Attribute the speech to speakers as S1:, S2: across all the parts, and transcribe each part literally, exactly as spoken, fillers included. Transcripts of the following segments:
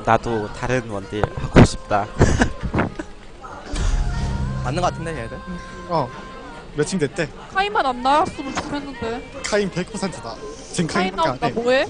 S1: 나도 다른 원딜 하고 싶다.
S2: 맞는 거 같은데 얘들.
S3: 어 매칭 됐대.
S4: 카이만 안 나왔으면 좋겠는데.
S3: 카인 백 퍼센트다. 지금
S4: 카이
S3: 카인밖에
S4: 나온다
S3: 안돼.
S4: 뭐해?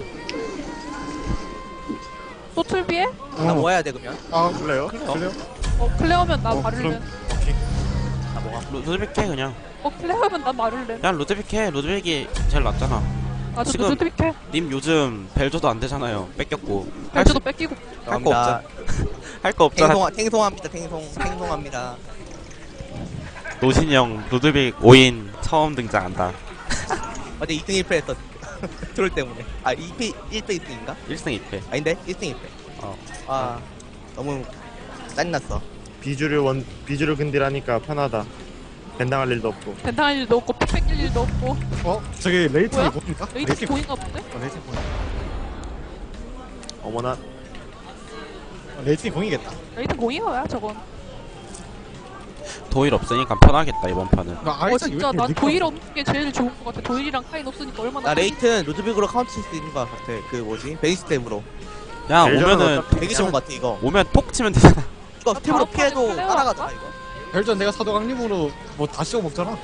S4: 또 틀비해?
S2: 나 뭐 해야 돼 그러면?
S3: 아 그래요? 그래요?
S4: 어 클레어면 나
S3: 어,
S4: 마를렌.
S3: 그럼 오케이.
S2: 나 뭐가?
S1: 루드빅 해 그냥.
S4: 어 클레어면 나 마를렌.
S1: 그냥 루드빅 해. 루드빅이 제일 낫잖아.
S4: 나도
S1: 지금-
S4: 루드빅해.
S1: 님 요즘 벨저도 안 되잖아요. 뺏겼고.
S4: 벨트도 뺏기고.
S1: 할 거 없잖아. 할 거 없잖아.
S2: 탱송 탱송합니다. 탱송 탱송합니다.
S1: 노신이 형 루드빅 오 인 처음 등장한다.
S2: 어제 이 등 일 패 했어. 트롤 때문에. 아 이 패 일 패 이 승인가?
S1: 일 승 이 패.
S2: 아닌데 일 승 일 패.
S1: 어.
S2: 아 너무 짜증났어.
S5: 비주류 원 비주류 근딜하니까 편하다. 벤당할 일도 없고.
S4: 벤당할 일도 없고 피 뺏길 일도 없고.
S3: 어 저기 레이튼이
S4: 뭐야?
S3: 뭡니까?
S4: 레이트 보인가 본데?
S3: 어, 레이튼 공.
S5: 어머나
S3: 어, 레이튼이 공이겠다.
S4: 레이트 공이어야 저건.
S1: 도일 없으니까 편하겠다 이번 판은.
S3: 나
S4: 어
S3: 아이작
S4: 진짜 난 도일 없는 게 제일 좋은 것 같아. 도일이랑 카인 없으니까 얼마나.
S2: 나 레이튼 루드빅으로 카운트 칠 수 있는 거 같아. 그 뭐지? 베이스 탭으로.
S1: 그냥
S5: 벨저는
S1: 오면은
S5: 어차피
S2: 되게 좋은 거 같아 이거.
S1: 오면 톡 치면 되잖아.
S2: 이거
S4: 아,
S2: 탭으로
S4: 다음 판에
S2: 피해도
S4: 클레어
S2: 따라가잖아
S4: 할까?
S2: 이거.
S3: 별전 내가 사도강림으로 뭐 다 씌워 먹잖아.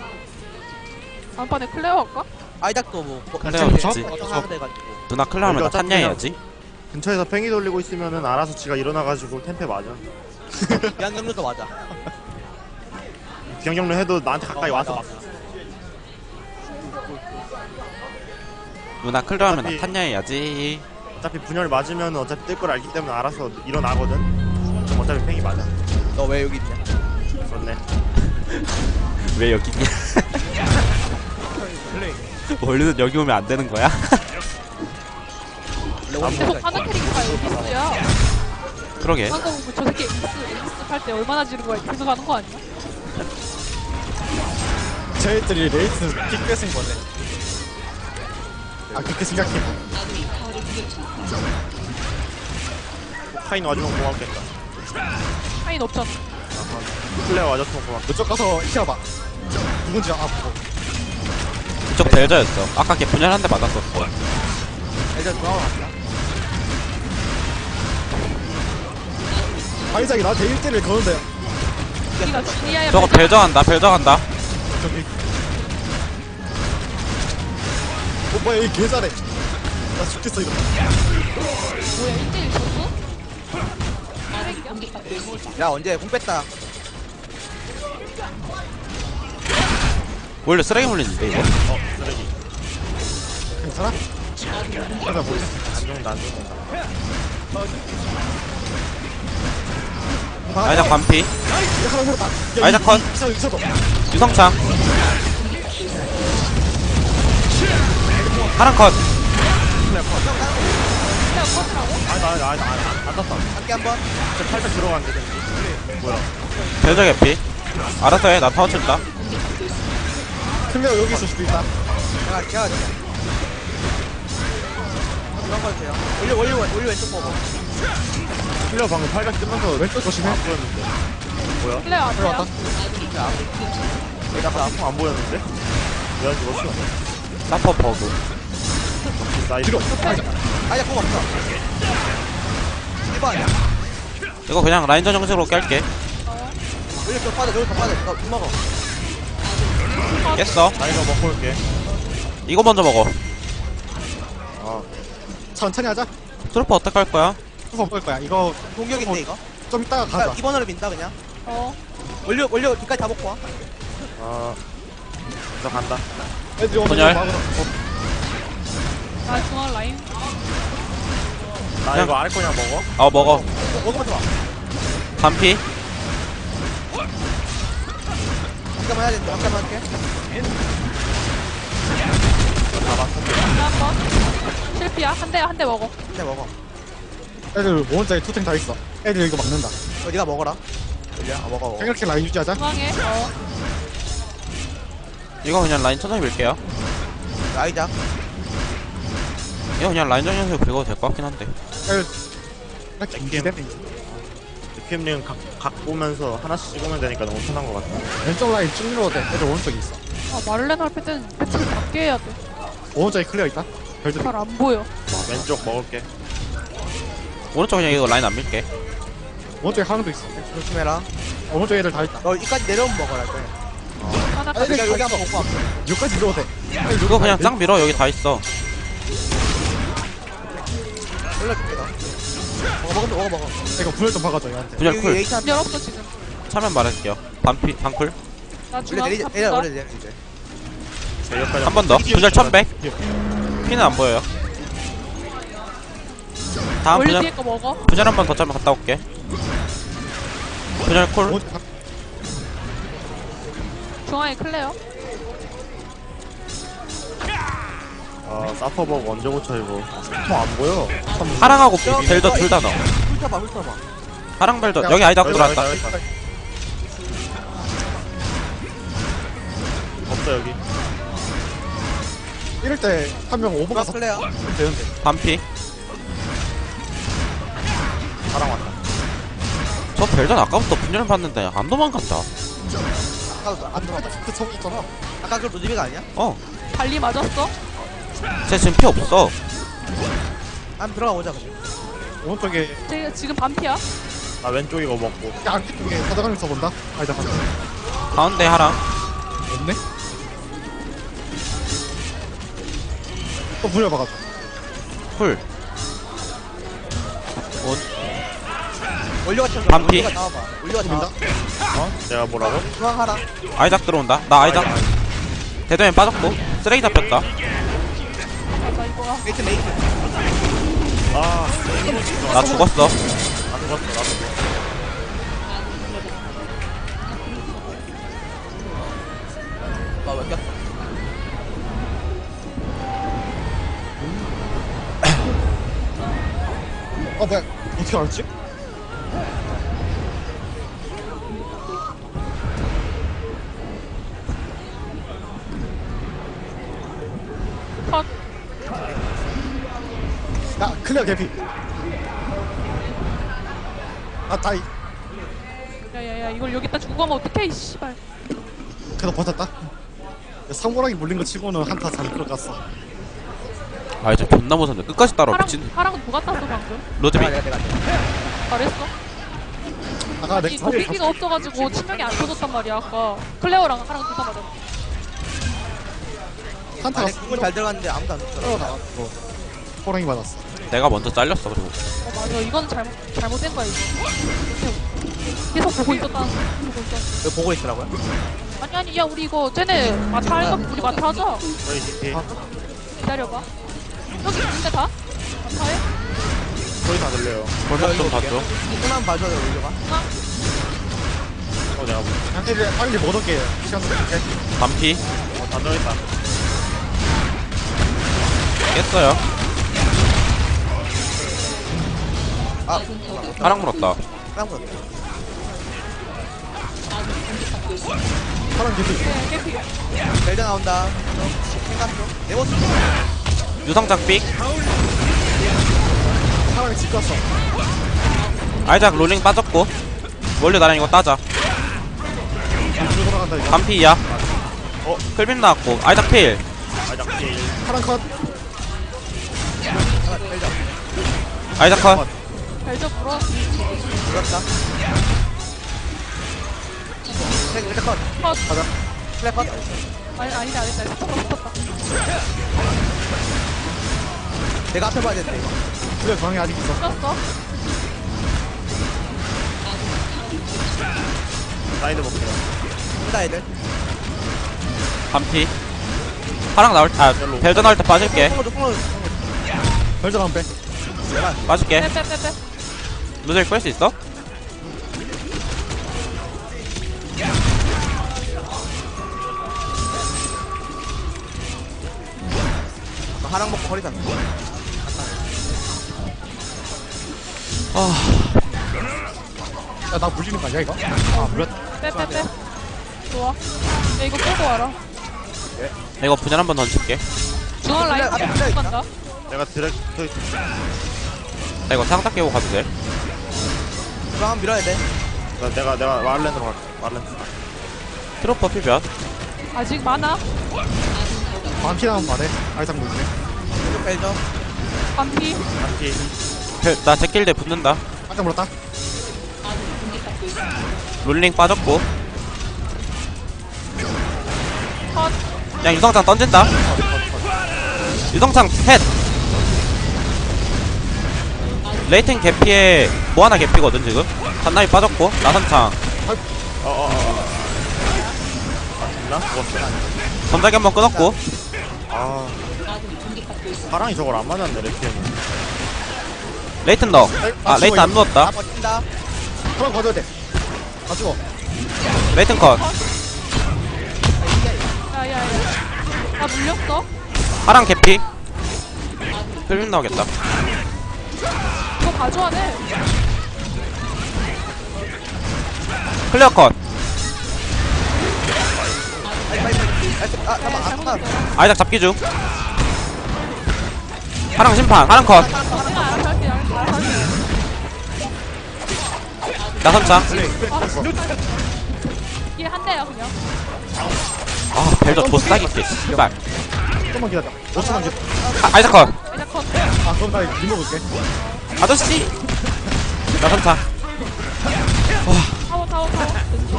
S4: 다음판에 클레어 할까?
S2: 아이작도 뭐
S1: 클레어
S3: 좋지.
S2: 하나 돼가지고.
S1: 누나 클라우면 나
S5: 어차피
S1: 탔냐 해야지.
S5: 근처에서 팽이 돌리고 있으면은 알아서 지가 일어나가지고 템페 맞아.
S2: 비양경로도 맞아.
S5: 비영경로 해도 나한테 가까이
S2: 어,
S5: 와서
S2: 맞아.
S5: 막.
S1: 누나 클라우면 나
S5: 어차피-
S1: 탔냐 해야지.
S5: 어차피 분열 맞으면 어차피 뜰 걸 알기 때문에 알아서 일어나거든. 그럼 어차피 팽이 맞아.
S2: 너 왜 여기 있냐?
S5: 그렇네.
S1: 왜 여기 있냐? 원래는 여기 오면 안 되는 거야?
S4: 계속 하는 캐릭터가 에이스야.
S1: 그러게.
S4: 방금 저 새끼 에이스 에이스 할 때 얼마나 지른 거야? 계속 하는 거 아니야?
S3: 저희들이 레이튼 픽 뺏은 거네. 아 그렇게 생각해.
S5: 카인 와주면 고맙겠다.
S4: 카인 없잖아.
S5: 플레어 와줬으면 고맙겠다.
S3: 그쪽 가서 키워봐. 누군지 아고.
S1: 그쪽 델저였어. 아까 걔 분열 한 대 맞았었어.
S2: 일단 돌아왔다.
S3: 아이작이 나한테 일 대를 거는데
S4: 니가 지니아야.
S1: 저거 벨저 간다. 벨저 간다.
S3: 저기. 어 뭐야 이 개 잘해. 나 죽겠어 이거.
S4: 뭐야 일 대 일 졌어?
S2: 야 언제 공 뺐다.
S1: 원래 쓰레기 물리는데 이거.
S3: 괜찮아? 하나 보자.
S5: 안 죽는다 안 죽는다.
S1: 아이작 반피.
S3: 야, 하나 물었다. 야,
S1: 아이작
S3: 이-
S1: 컷.
S3: 이- 이거 있어도.
S1: 유성창. 하랑 컷.
S5: 아니 나 아니 아니 안 땄어.
S2: 함께 한번.
S5: 진짜 살짝 들어갔는데. 뭐야?
S1: 벨저 개피. 알았어 해. 나 타워 칠다.
S3: 클레어 여기 있을 수도 있다.
S2: 제가 제가 그런 거 주세요. 올려 올려 올려 왼쪽 보고.
S5: 플레어 방금 팔각 뜨면서
S3: 왼쪽 조심해.
S5: 안 보였는데. 뭐야?
S4: 클레어 안
S3: 들어왔다.
S4: 돼요.
S5: 내가 아까 안 보였는데? 왜 안 죽었어?
S1: 사퍼 버그.
S5: 나이스.
S3: 뒤로.
S2: 아이작 공 없어. 일 번.
S1: 이거 그냥 라인전 형식으로 깰게.
S2: 올려 좀 빠져. 여기 더 빠져. 너국 먹어.
S1: 깼어.
S5: 나 이거 먹고 올게.
S1: 이거 먼저 먹어.
S5: 아,
S3: 천천히 하자.
S1: 트루퍼 어떡할 거야?
S3: 수업 볼 거야. 이거
S2: 공격인데 이거.
S3: 좀 이따가
S2: 그러니까
S3: 가자.
S2: 이 번으로 민다 그냥.
S4: 어.
S2: 올려 올려 뒤까지 다 먹고 와.
S5: 아, 저 간다.
S3: 애들이 오늘
S1: 분열.
S3: 막으러- 어,
S4: 나 중앙 라인.
S5: 나
S1: 그냥-
S5: 이거 아래 거냐 먹어?
S1: 어 먹어.
S2: 먹으면 좋아.
S1: 반피.
S2: 잠깐만 해야 돼. 잠깐만 할게.
S4: 한번 실피야. 한 대 한 대 먹어.
S2: 근데 먹어.
S3: 애들 모원자에 투탱 다 있어. 애들 이거 막는다.
S2: 어, 네가 먹어라. 올려. 아 먹어 먹어.
S3: 생각해 라인 유지하자.
S4: 중앙에. 어.
S1: 이거 그냥 라인 천천히 밀게요.
S2: 아이작.
S1: 이거 그냥 라인전 형식으로 긁어도 될 것 같긴 한데.
S3: 애들 이렇게 인지되네.
S5: 느낌링 각, 각 보면서 하나씩 찍으면 되니까 너무 편한 것 같아.
S3: 왼쪽 라인 쭉 밀어도 돼. 애들 오른쪽에 있어.
S4: 아 마를렌 할 때는 배틀 밖에 해야 돼.
S3: 오른쪽에 클리어 있다. 별들.
S4: 잘 안 보여.
S5: 왼쪽 먹을게.
S1: 오른쪽 그냥 이거 라인 안 밀게.
S3: 오른쪽에 하나도 있어.
S2: 조심해라.
S3: 오른쪽 애들 다 있다.
S2: 너 이까지 내려오면 먹어라 때.
S4: 하나
S3: 아니,
S2: 내가
S3: 아니,
S2: 여기 한번 먹고 왔어.
S3: 여기까지 밀어도 돼.
S1: 이거 그냥 짱 밀어. 여기 다 있어.
S2: 올려줄게 너. 먹어 먹어 먹어 먹어.
S3: 이거 분열 좀 박아줘 얘한테.
S1: 분열
S2: 여기
S1: 쿨.
S2: 에이차
S4: 열 없어 지금.
S1: 차면 말할게요. 반피 반쿨.
S4: 나
S2: 원래
S4: 중앙
S2: 내리 내려
S4: 잡힌다.
S2: 원래 내려 이제.
S5: 여기까지
S1: 한 번 더. 분열 천백. 피는 안 보여요. 다음
S4: 원래
S1: 분열
S4: 뒤에 거 먹어.
S1: 분열 한 번 더 짜면 갔다 올게. 분열 콜.
S3: 오른쪽 가-
S4: 중앙에 클레어.
S5: 아 사퍼버그 언제 고쳐 이거.
S3: 뭐안 보여.
S1: 하랑하고 벨더 둘 다 넣어.
S2: 훑어봐 훑어봐.
S1: 하랑 벨더 여기 아이다
S5: 여기
S1: 들어왔다.
S5: 여기 있다. 없어 여기.
S3: 이럴 때 한 명 오버 가서
S2: 플레야.
S3: 되는데.
S1: 반피.
S5: 사랑 왔다.
S1: 저 벨전 아까부터 분열 봤는데 안 도망간다.
S2: 아까
S3: 안 들어갔다. 그 처음 있잖아.
S2: 아까 그 루디비가 아니야?
S1: 어.
S4: 발리 맞았어?
S1: 쟤 지금 피 없어.
S2: 한 들어가 보자 그래.
S3: 오른쪽에
S4: 쟤 지금 반피야?
S5: 나 왼쪽 이거 먹고.
S3: 안쪽에 사다가는 써본다. 아니다 가자.
S1: 가운데 하랑.
S3: 없네. 또 분열 박아줘.
S1: 쿨.
S2: 올려가 쳐줘.
S1: 반피.
S2: 올려가 나와봐. 올려가
S3: 민다.
S2: 나와.
S5: 어? 내가 뭐라고?
S2: 중앙하라.
S1: 아이작 들어온다. 나 아이작. 대도면 빠졌고. 쓰레기 잡혔다.
S4: 맞아 이거야.
S2: 메이트 메이트.
S5: 아,
S1: 나 죽었어.
S5: 나 죽었어 나도.
S2: 아 왜?
S3: 어 뭐야? 어떻게 알았지?
S4: 컷.
S3: 야 클리어 개피. 아 다이.
S4: 야야야 이걸 여기다 주고 가면 어떡해 이 씨발.
S3: 그래도 버텼다. 상모랑이 물린 거 치고는 한타 잘 들어갔어.
S1: 아이작 존나 무섭네. 끝까지 따라
S4: 하랑
S1: 미친.
S4: 하랑은 누가 땄어 방금?
S1: 로드비.
S2: 내가 내가 내가.
S4: 잘했어.
S3: 아까
S4: 아니
S3: 내
S4: 도끼기가 없어가지고 치명이 안 터졌단 말이야 아까. 클레어랑 하랑 둘 다 맞았어.
S3: 한타가
S2: 아니 그건 잘 들어갔는데 아무도 안 줬더라.
S3: 나왔고 호랑이 맞았어.
S1: 내가 먼저 잘렸어 그리고.
S4: 어 맞아 이건 잘못 잘못된 거야 이거. 계속 보고 있었다는 거. 보고 있었.
S2: 왜 보고 있더라고요?
S4: 아니 아니 야 우리 이거 쟤네 마타 할까? 우리 마타 하자.
S5: 저희 디티.
S4: 기다려봐. 여기 있는데 다? 마타해?
S5: 소리 다 들려요.
S1: 볼륨 좀 봐줘.
S2: 이거만 봐줘야 돼 올려가.
S5: 어 내가 뭐.
S3: 양태를 빨리 못 얻게 시간 좀 줄게.
S1: 반피.
S5: 어다 들어있다.
S1: 깼어요.
S2: 아
S1: 하랑 물었다.
S2: 사람 거.
S3: 사람 개피.
S4: 네 깨피.
S2: 벨드 나온다. 생각 좀. 내 모습.
S1: 유성작 삑.
S3: 사람이 집 갔어.
S1: 아이작 롤링 빠졌고. 원래 나랑 이거 따자.
S3: 뒤로 돌아간다 이거.
S1: 반피야. 어, 클빈 나왔고. 아이작 필.
S5: 아 작지.
S3: 사람 컷.
S2: 아, 벨드.
S1: 아이작 컷.
S4: 발저 불어.
S2: 그렇다. 벨드 벨드 컷.
S4: 컷.
S2: 플레 컷.
S4: 아니 아니다 아니다. 붙었다 붙었다.
S2: 내가 앞에 봐야 되는데 이거.
S3: 그래 방에 아직 있어.
S4: 붙었어.
S5: 사이드 볼게요.
S2: 혼자 애들.
S1: 반피. 하랑 나올 때, 아, 벨전 나올 때 빠질게.
S2: 콩으로 콩으로 콩으로.
S3: 별점 한 빼.
S1: 빠질게.
S4: 빼빼빼빼.
S1: 루젤 끌 수 있어?
S2: 하랑 먹고 허리 잡는 거.
S1: 아,
S3: 야나 물리는 거 아니야 이거? 아 물렸다.
S4: 빼빼빼. 좋아. 야 이거 끌고 와라.
S1: 이거 분열 한번 던질게.
S4: 중앙 라인
S2: 앞에
S4: 못
S2: 플레이 있다.
S4: 간다.
S5: 내가 드랙트.
S1: 나 이거 상딱 깨고 가도 돼.
S2: 중앙 한번 밀어야 돼.
S5: 나 내가 내가 마를렌으로 갈게. 마를렌.
S1: 트로퍼 필변.
S4: 아직 많아.
S3: 반피 나면 말해. 아이상 물리네.
S2: 벨드.
S4: 반피.
S5: 한티.
S1: 별- 나 제킬대 붙는다.
S3: 깜짝 물었다.
S1: 롤링 빠졌고.
S4: 컷.
S1: 그냥 유성창 던진다. 유성창 헷. 레이튼 개피에 모아나 개피거든 지금. 잔나비 빠졌고 나선창
S5: 어어어. 아 죽나? 죽었어.
S1: 전자기 한번 끊었고.
S5: 아. 사랑이 저걸 안 맞았네 레피엠은.
S1: 레이튼 넣어. 아 레이튼 안 누웠다.
S2: 아 버틴다.
S3: 한번 거둬야 돼. 다 죽어.
S1: 레이튼 컷.
S4: 야야야. 나 물렸어.
S1: 하랑 개피. 필름 나오겠다.
S4: 이거 가져야 돼.
S1: 클리어 컷.
S2: 빨리 빨리 빨리. 아
S4: 네,
S2: 잠깐 아 잠깐.
S4: 잘못했어요.
S1: 아이작 잡기 중. 하랑 심판. 하랑 컷.
S4: 내가 알아서 할게. 알아서 할게.
S1: 나선창.
S4: 이게 한 대야 그냥.
S1: 아 벨저 조싸기 개 씨발.
S3: 조금만 기다려. 오 초만 기다려.
S1: 아, 아이작 컷.
S4: 이제 컷.
S3: 아 그럼 나 리모 볼게.
S1: 아저씨. 나선창.
S4: 타워 타워 타워.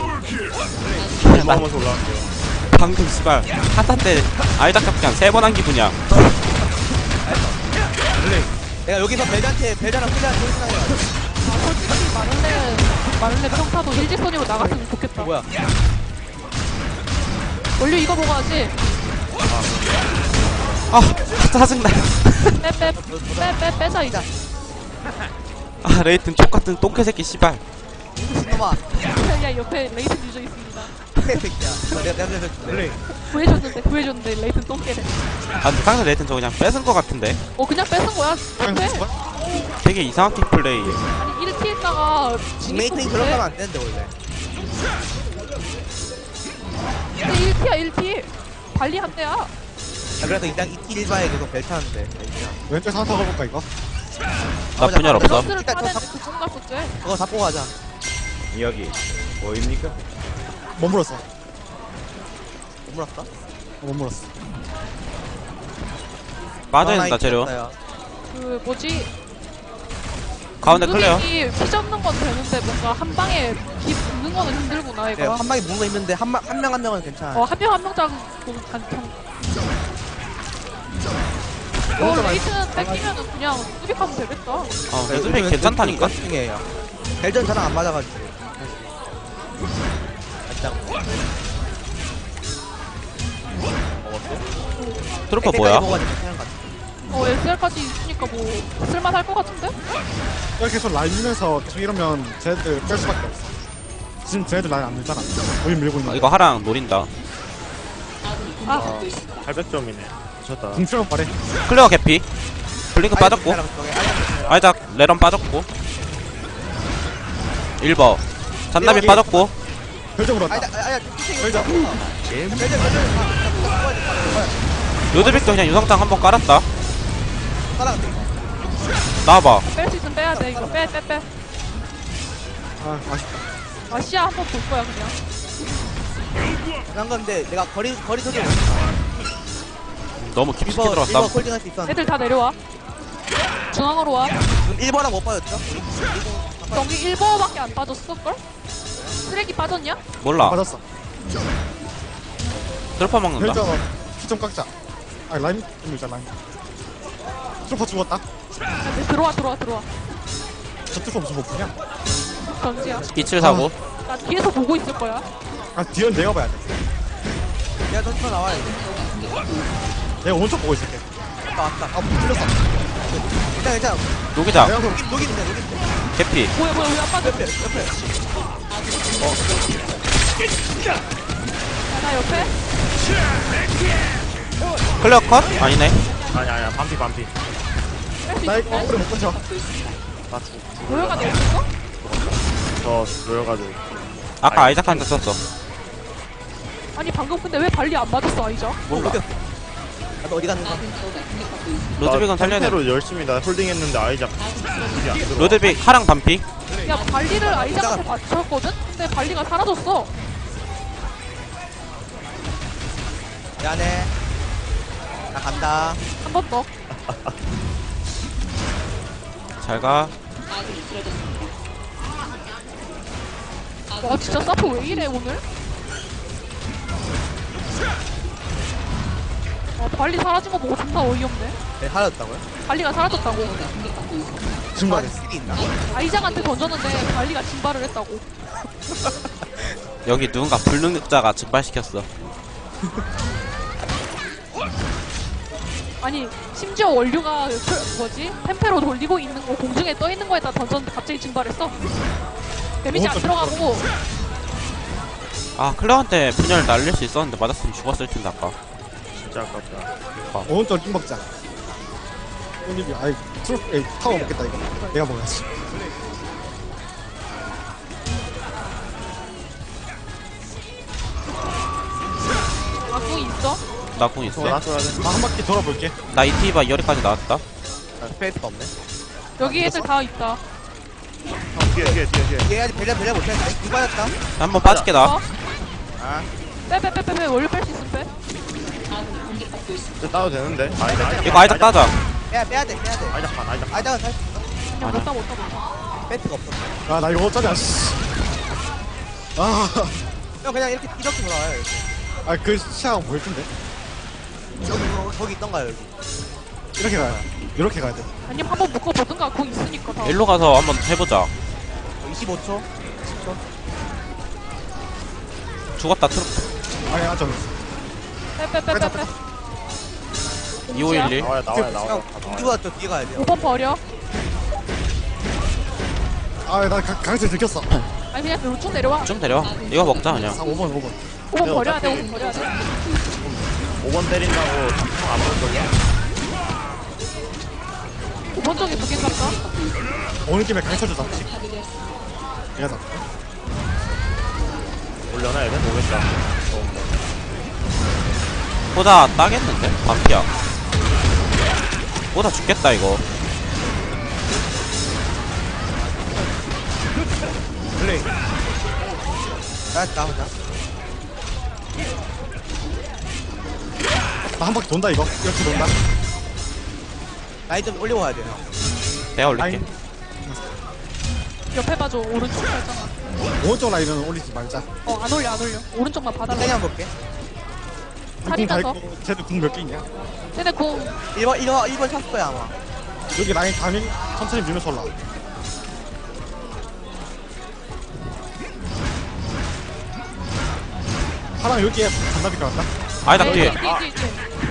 S5: 올라오면서 올라갈게요.
S1: 방금 씨발 한타 때 아이작 잡기 한 세 번 한 기분이야.
S2: 내가 여기서 벨한테 벨자랑 클리한테 소리나요.
S4: 아, 솔직히 마를레 마를레 평타도 일직선으로 나갔으면 좋겠다.
S2: 뭐야?
S4: 원래 이거 먹어야지.
S1: 아 짜증나.
S4: 빼빼빼빼빼 빼자 이제.
S1: 아 레이튼 족같은 똥개 새끼 씨발.
S2: 미친놈아.
S4: 야 옆에 레이튼 유저 있습니다.
S2: 새끼야. 내가 내가 내가 줄래.
S4: 구해줬는데 구해줬는데 레이튼 똥개래.
S1: 아 근데 상대 레이튼 저 그냥 뺏은 거 같은데.
S4: 어 그냥 뺏은 거야.
S3: 그냥
S4: 빼.
S3: 죽어?
S1: 되게 이상하게 플레이.
S4: 아니 일 티 했다가
S2: 빅메이트인 그런 거면 안 되는데 원래.
S4: 근데 일 티야 일 티. 발리 한 대야.
S2: 아 그래서 일단 이티 일바에 계속 벨 타는데.
S3: 왼쪽에서 하나 더 가볼까 이거?
S1: 나 분열 없어.
S4: 밸런스를
S2: 일단
S4: 타는
S2: 저
S4: 그건 갔었지.
S2: 그거 다 보고 가자.
S5: 이야기 뭐입니까?
S3: 못 물었어.
S2: 못 물었어?
S3: 못 물었어.
S1: 빠져야 된다 재료.
S4: 그 뭐지?
S1: 가운데 클레어.
S4: 피 잡는 건 되는데 뭔가 한 방에 피 붙는 거는 힘들구나
S2: 네,
S4: 이거.
S2: 한 방에 무는 거 힘든데 한 명 한 명 한 명은 괜찮아.
S4: 어 한 명 한 명 잡고 간통. 어 레이튼 뺏기면은 그냥 수비하면 되겠다.
S1: 어 레드백 괜찮다니까.
S2: 중이에요. 벨전 저랑 안 맞아가지고. 살짝
S1: 트루퍼 뭐야?
S2: 먹어가지고 괜찮은 것 같아.
S4: 어 에스엘까지 있으니까 뭐 쓸만할 것 같은데?
S3: 이렇게 계속 라인 밀면서 지금 이러면 쟤네들 뺄 수밖에 없어. 지금 쟤네들 라인 안 밀잖아. 우리 밀고 있는
S1: 어,
S3: 거.
S1: 이거 하랑 노린다.
S4: 아
S5: 팔백 점이네. 미쳤다.
S3: 궁출만 빠래.
S1: 클레어 개피. 블링크 빠졌고.
S2: 아이작 저기, 아이작
S1: 아이작 레런 빠졌고. 일 번 잔나비
S2: 여기.
S1: 빠졌고.
S3: 별점 물었다.
S2: 아이작 아이작
S3: 별점.
S2: 벨전 벨전
S1: 로드빅도 그냥 유성장 한번 깔았다.
S2: 따라간다.
S1: 나와봐.
S4: 뺄 수 있으면 빼야 돼 이거 빼 빼 빼.
S3: 아 아쉽다.
S4: 아 시야 한 번 볼 거야 그냥.
S2: 난 건데 내가 거리 거리 소리
S1: 너무 깊숙이
S2: 일번
S1: 들어갔다.
S2: 일번 콜딩 할 수 있었는데
S4: 애들 다 내려와. 중앙으로 와.
S2: 지금 일 번랑 못 빠졌죠?
S4: 경기 일 버밖에 안 빠졌을걸? 쓰레기 빠졌냐?
S1: 몰라.
S3: 맞았어.
S1: 트루퍼 먹는다.
S3: 별점 피좀 깎자. 아 라인 좀 밀자 라인. 트루퍼 죽었다.
S4: 야, 네, 들어와 들어와 들어와.
S3: 저 트루퍼 무슨 못 푸냐?
S4: 전지야.
S1: 이칠사구.
S4: 나 뒤에서 보고 있을 거야.
S3: 아 뒤는 내가 봐야 돼.
S2: 내가 던져 나와야 돼.
S3: 내가 오른쪽 보고 있을게.
S2: 왔다 왔다.
S3: 아 틀렸어.
S2: 괜찮아 괜찮아.
S1: 녹이자.
S3: 내가 그
S2: 녹임 녹임인데 녹임인데.
S1: 개피.
S4: 뭐야 뭐야 왜 안 빠져?
S2: 옆에 옆에.
S4: 야, 나 옆에.
S1: 클레어 컷? 아니네.
S5: 아니 아니야 반피 반피.
S4: 뺄 수
S3: 나 이거
S4: 있는데?
S3: 오래 못 끊쳐.
S5: 나 죽.
S4: 모여가 내 있어?
S5: 저 모여가지고.
S1: 아까 아이작한테 썼어.
S4: 아니 방금 근데 왜 발리 안 맞았어 아이죠?
S1: 몰라.
S2: 나도 어디 갔는가?
S1: 로드빅은 살려야 돼.
S5: 로 열심히 나 홀딩했는데 아이작. 이게 안 들어와.
S1: 로드빅 하랑 반피.
S4: 야 발리를 아이작한테 맞췄거든? 근데 발리가 사라졌어.
S2: 미안해. 나 간다.
S4: 한 번 더.
S1: 잘가.
S4: 와 진짜 사프 왜 이래 오늘? 아 발리 사라진 거 보고 존나 어이없네.
S2: 네, 하였다고요?
S4: 발리가 사라졌다고.
S3: 증발해.
S2: 아, 스킬이 있나?
S4: 아이작한테 던졌는데 발리가 증발을 했다고.
S1: 여기 누군가 불능력자가 증발시켰어.
S4: 아니 심지어 원류가 그, 뭐지? 템페로 돌리고 있는 거 공중에 떠 있는 거에다 던졌는데 갑자기 증발했어. 데미지 안 들어가고.
S1: 아 클레어한테 분열을 날릴 수 있었는데 맞았으면 죽었을 텐데 아까.
S5: 진짜 아깝다.
S3: 오른쪽 띵 먹자. 올리비, 아이, 트로, 에이, 타워 먹겠다, 이거. 내가 먹어야지.
S4: 아궁 있어?
S1: 나 궁 있어.
S5: 돌아줘야 돼.
S3: 나 한 바퀴 돌아볼게.
S1: 나 이티바 열이까지 나왔다.
S2: 아, 스페이스가 없네.
S4: 여기 애들 다 있다.
S5: 형 뒤에 뒤에 뒤에 뒤에.
S2: 얘 아직 벨레 벨레 못했는데? 이거 받았다?
S1: 한번 빠질게 나.
S4: 어?
S2: 아,
S4: 빼빼빼빼빼 원류 뺄 수 있으면 빼.
S5: 이제 따도 되는데. 아니다.
S1: 이거 아이작 따자.
S2: 빼야, 빼야 돼, 빼야 돼.
S5: 아이작 반 아이작 반.
S2: 아이다가 살
S4: 그냥 못다 못다 못다.
S2: 배트가 없어.
S3: 아, 나 이거 어쩌냐, 씨. 아,
S2: 형 그냥 이렇게 이렇게 돌아와요. 이렇게.
S3: 아, 그 시야가 보일 텐데.
S2: 저기, 저기, 저기 있던가요, 여기?
S3: 이렇게 가야 돼. 이렇게 가야 돼.
S4: 아니면 한번 묶어보든가 궁 있으니까 다.
S1: 일로 가서 한번 해보자.
S2: 이십오 초? 십 초?
S1: 죽었다 트루.
S3: 아니, 아, 저,
S4: 빼빼빼빼빼.
S1: 이오일일.
S5: 나와야 나와야 나와야.
S2: 형, 공주가 저 뒤에 가야 돼요.
S4: 오 번 버려.
S3: 아, 나 강- 강제 들켰어.
S4: 아니 그냥 그로 쭉 내려와.
S1: 좀 데려. 이거 먹자 그냥.
S3: 아, 오 번, 오 번.
S4: 오 번 버려야 돼. 오 번 버려야 돼.
S5: 오 번 때린다고 안 보는 거냐?
S4: 오 번 쪽에 두개 깎아.
S3: 오늘 김에 강철도 잡지. 내가 잡.
S5: 올려놔 얘는 모르겠다.
S1: 보다 따겠는데? 반피야. 보다 죽겠다 이거.
S2: 플레이. 나, 나오자.
S3: 나 한 바퀴 돈다, 이거. 이렇게 돈다.
S2: 라인 좀 올리고 가야 돼요, 형.
S1: 내가 올릴게.
S3: 아니.
S4: 옆에 봐줘. 오른쪽 살짝.
S3: 오른쪽 라인은 올리지 말자.
S4: 어 안 올려 안 올려. 오른쪽만 봐달라.
S2: 세게 한번 볼게.
S4: 살이면서.
S3: 쟤도 궁 몇 개 있냐?
S4: 쟤네 궁.
S2: 일 번, 일 번, 일 번 찼을 거야, 아마.
S3: 여기 라인 가면 천천히 밀면서 올라. 파랑 여기에 잔나비 깔았다.
S1: 아이작 뒤에.
S4: 뒤에 뒤에 뒤에.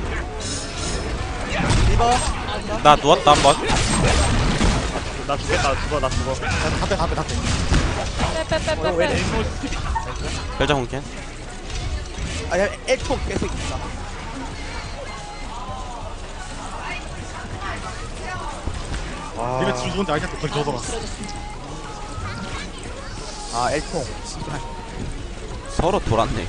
S2: 일 번.
S1: 나 누웠다 한번.
S5: 나 죽겠다. 나 죽어 나 죽어.
S3: 다빼 다빼 다빼.
S4: 빼빼빼빼빼.
S1: 별자 공캔.
S2: 아, 야, 엘폭 계속 있다.
S5: 아.
S3: 니네 질 좋은데 알겠다. 거기 더 돌았어.
S2: 아, 엘폭.
S1: 서로 돌았네.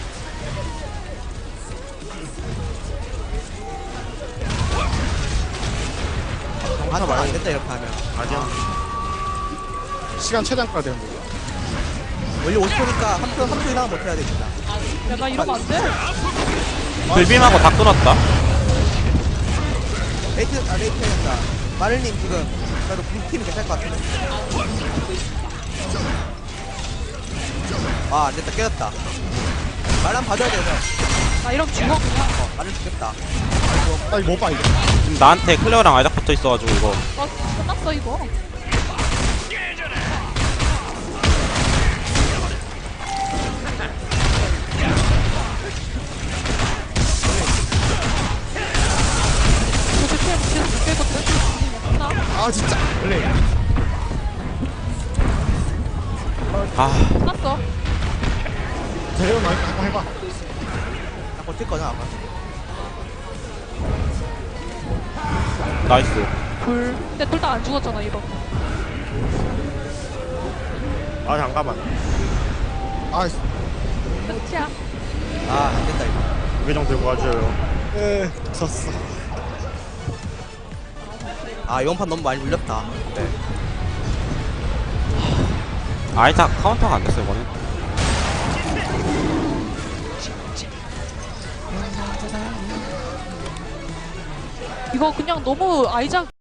S2: 하나 말안 됐다, 이렇게 하면.
S5: 아니야.
S3: 시간 최대한 끌어야 되는데.
S2: 원래 오십 초니까 삼 초, 삼 초 이상은 못해야 됩니다.
S4: 야 나 이러면 안 돼.
S1: 불빔하고 다 끊었다.
S2: 레이트, 아, 레이트 해야 된다. 마를님 지금, 그래도 빈팀이 괜찮을 것 같은데. 아, 안 됐다, 깨졌다. 말 한 번 봐줘야 돼서.
S4: 나 이러면 죽어 그냥.
S2: 어, 말을 죽겠다.
S3: 나 이거 못 봐, 이거.
S1: 지금 나한테 클레어랑 아이작 붙어 있어가지고 이거.
S4: 나 끝났어 이거. 이렇게 피해 계속 죽겠거든. 끝나.
S3: 아, 진짜. 플레이.
S1: 아
S4: 끝났어.
S3: 대형 라인 한번 해봐.
S2: 나 버틸 거냐, 아마.
S1: 나이스.
S4: 불. 근데 둘 다 안 죽었잖아 이거.
S5: 아 잠깐만.
S3: 아,
S4: 끝이야.
S2: 아, 안 된다, 이거.
S5: 무게정 들고 와줘요.
S3: 에, 졌어.
S2: 아, 이번 판 너무 많이 물렸다. 네.
S1: 아이작 카운터가 안 됐어 이거는.
S4: 이거 그냥 너무 아이작